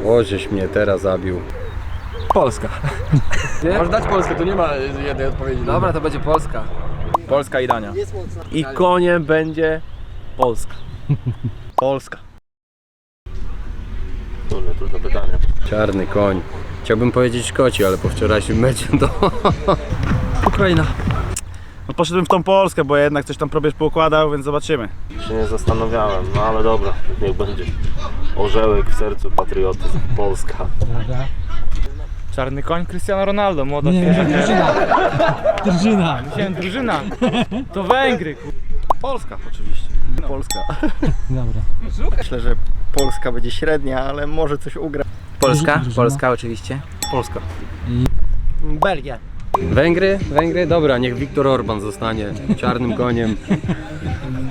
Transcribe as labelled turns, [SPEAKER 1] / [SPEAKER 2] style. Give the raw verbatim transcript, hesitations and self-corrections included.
[SPEAKER 1] O, żeś mnie teraz zabił.
[SPEAKER 2] Polska.
[SPEAKER 3] Możesz dać Polskę, tu nie ma jednej odpowiedzi.
[SPEAKER 2] Dobra, to będzie Polska.
[SPEAKER 3] Polska i Dania.
[SPEAKER 2] I koniem będzie Polska.
[SPEAKER 1] Polska.
[SPEAKER 4] Trudne, trudne pytanie.
[SPEAKER 1] Czarny koń. Chciałbym powiedzieć koci, ale po wczorajszym meczu to...
[SPEAKER 2] Ukraina.
[SPEAKER 5] No poszedłem w tą Polskę, bo jednak coś tam probierz poukładał, więc zobaczymy.
[SPEAKER 4] Się nie zastanawiałem, no ale dobra, niech będzie. Orzełek w sercu, patriotyzm, Polska.
[SPEAKER 3] Czarny koń Cristiano Ronaldo, młoda
[SPEAKER 6] Nie,
[SPEAKER 3] świeża.
[SPEAKER 6] drużyna. Drużyna.
[SPEAKER 3] Myślałem drużyna. To Węgry.
[SPEAKER 5] Polska oczywiście.
[SPEAKER 1] Polska.
[SPEAKER 6] Dobra.
[SPEAKER 1] Myślę, że Polska będzie średnia, ale może coś ugra.
[SPEAKER 2] Polska?
[SPEAKER 6] Drużyna.
[SPEAKER 2] Polska oczywiście.
[SPEAKER 5] Polska.
[SPEAKER 2] Belgia.
[SPEAKER 1] Węgry? Węgry? Dobra, niech Viktor Orban zostanie czarnym koniem.